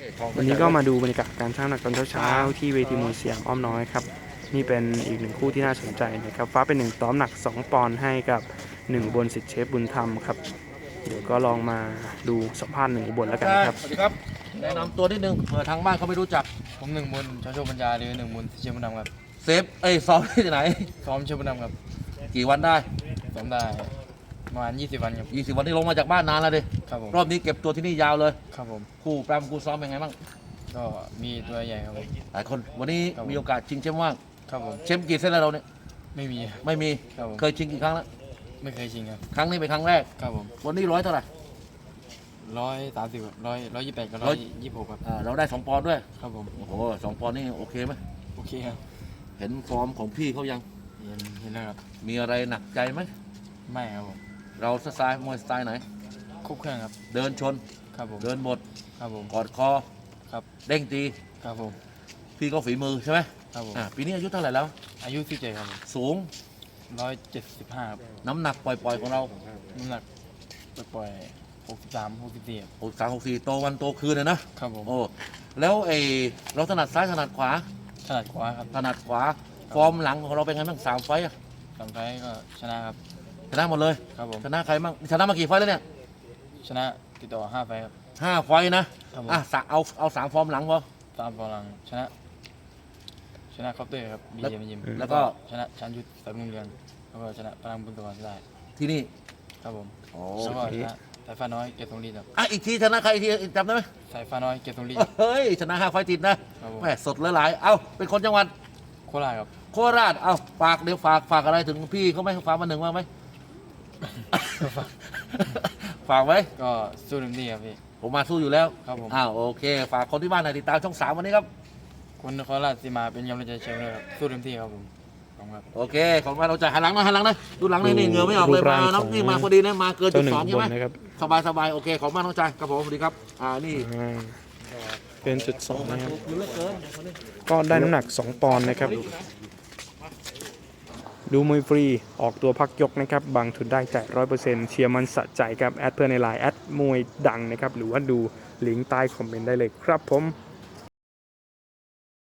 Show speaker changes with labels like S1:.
S1: วันนี้ก็มาดูบรรยากาศการชั่งน้ำหนักตอนเช้าๆที่เวทีมวยสยามอ้อมน้อยครับนี่เป็นอีกหนึ่งคู่ที่น่าสนใจนะครับฟ้าเป็น1 ต่อน้ำหนัก2 ปอนด์ให้กับ1 บนสิทธิ์เชฟบุญธรรมครับเดี๋ยวก็ลองมาดูสัมภาษณ์1 อุบลแล้วกันครับ
S2: สวัสดีครับแนะนำตัวนิดนึงเผื่อทางบ้านเขาไม่รู้จัก
S3: ผม1 บุญชโชคปัญญาหรือ1 บุญเชียงบุญนำครับ
S2: เซฟซ้อมที่ไหน
S3: ซ้อมเชียงบุญนำครับ
S2: กี่วันได้
S3: ซ้อมได้ประมาณ20 วันครับ
S2: 20 วันที่ลงมาจากบ้านนานแล้วดิ
S3: ครับผม
S2: รอบนี้เก็บตัวที่นี่ยาวเลย
S3: ครับผม
S2: คู่ปรำคู่ซ้อมเป็นไงบ้าง
S3: ก็มีตัวใหญ่ครับผม
S2: หลายคนวันนี้
S3: ครับผม
S2: มีโอกาสชิงแชมป์ว่าง
S3: ครับผม
S2: แชมป์กี่เส้นแล้วเราเนี่ย
S3: ไม่มี
S2: ไม่มี
S3: ครับผม
S2: เคยชิงกี่ครั้งแล้ว
S3: ไม่เคยชิงครับ
S2: ครั้งนี้เป็นครั้งแรก
S3: ครับผม
S2: วันนี้100 เท่าไหร่
S3: 130 128กับ126ครับ
S2: เราได้2 ปอนด์ด้วย
S3: ครับผม
S2: โอ้โห2 ปอนด์นี่โอเคไหม
S3: โอเคครับ
S2: เห็นฟอร์มของพี่เขายัง
S3: เห็นแล้วครับ
S2: มีอะไรหนักใจไหม
S3: ไม่ครับผม
S2: เราสไตล์มวยสไตล์ไหน
S3: ครบเครื่องครับ
S2: เดินชน
S3: ครับผม
S2: เดินหมด
S3: ครับผม
S2: กอดคอ
S3: ครับ
S2: เด้งตี
S3: ครับผม
S2: พี่ก็ฝีมือใช่ไหม
S3: ครับผม
S2: ปีนี้อายุเท่าไหร่แล้ว
S3: อายุ17ครับผม
S2: สูง
S3: 175ครับ
S2: น้ำหนักปล่อยๆของเรา
S3: น้ำหนักปล่อย63 64ครับ
S2: 63 64โตวันโตคืนนะครับ
S3: ผม
S2: โอ้แล้วเราถนัดซ้ายถนัดขวา
S3: ถนัดขวาครับ
S2: ถนัดขวาฟอร์มหลังของเราเป็นไงบ้าง3 ไฟต์อะ
S3: สองไฟล์ก็ชนะครับ
S2: ชนะหมดเลย
S3: ครับผม
S2: ชนะใครบ้างชนะมากี่ไฟต์แล้วเนี่ย
S3: ชนะติดต่อ5 ไฟล์ครับ
S2: 5 ไฟต์นะครับ
S3: ผม
S2: เอา3 ฟอร์มหลังพอ
S3: ตามกำลังชนะคอปเตอร์ครับบี
S2: แล้ว
S3: เจมยิม
S2: แล้วก็
S3: ชนะชันยุทธสายมุงเรืองแล้วก็ชนะพลังบุญตัวได้
S2: ที่นี่
S3: ครับผม
S2: โอ้
S3: แล้วก็ชนะสายฟ้าน้อยเกียรติทรงฤทธิ์ครับ
S2: อีกทีชนะใครอีกทีจำได้ไหม
S3: สายฟ้าน้อยเกียรติทรงฤทธิ์
S2: เฮ้ยชนะ5 ไฟต์ติดนะครับ
S3: ผม
S2: แหมสดหลายๆเอ้าเป็นคนจังหวัด
S3: โคราชครับ
S2: โคราชเอาฝากเดี๋ยวฝากอะไรถึงพี่เขาไหมฝากมาหนึ่งว่าไหม ฝากไว้
S3: ก็สู้เต็มที่ครับพี่
S2: ผมมาสู้อยู่แล้ว
S3: ครับผม
S2: โอเค ฝากคนที่บ้านหน่อยติดตามช่อง 3 วันนี้ครับ
S3: คนนครราชสีมาเป็นกำลังใจเชียร์ด้วยครับสู้เต็มที่ครับผมขอบคุณครับ
S2: โอเค ของเราจะหันหลังนะดูหลังนี่เหงื่อไม่ออกเลย
S1: รูปร่าง
S2: มาน้อง
S1: ของ
S2: นี่มาพอดีนะมาเกินจุ
S1: เจ้า
S2: ด
S1: หนึ่ง
S2: สอง
S1: อุ
S2: ใช่
S1: บ
S2: ไหม
S1: ลนะครับ
S2: สบายโอเคขอบคุณมากน้องชายครับผมสวัสดีครับนี่
S1: อ่าเป็นจุด2นะครับ
S2: ถูกอยู่เหลือเกิน
S1: ก็ได้น้ำหนัก2 ปอนด์นะครับดูมวยฟรีออกตัวพักยกนะครับบางทุนได้จ่าย100%เชียร์มันสะใจครับแอดเพื่อนในไลน์แอดมวยดังนะครับหรือว่าดูลิงก์ใต้คอมเมนต์ได้เลยครับผม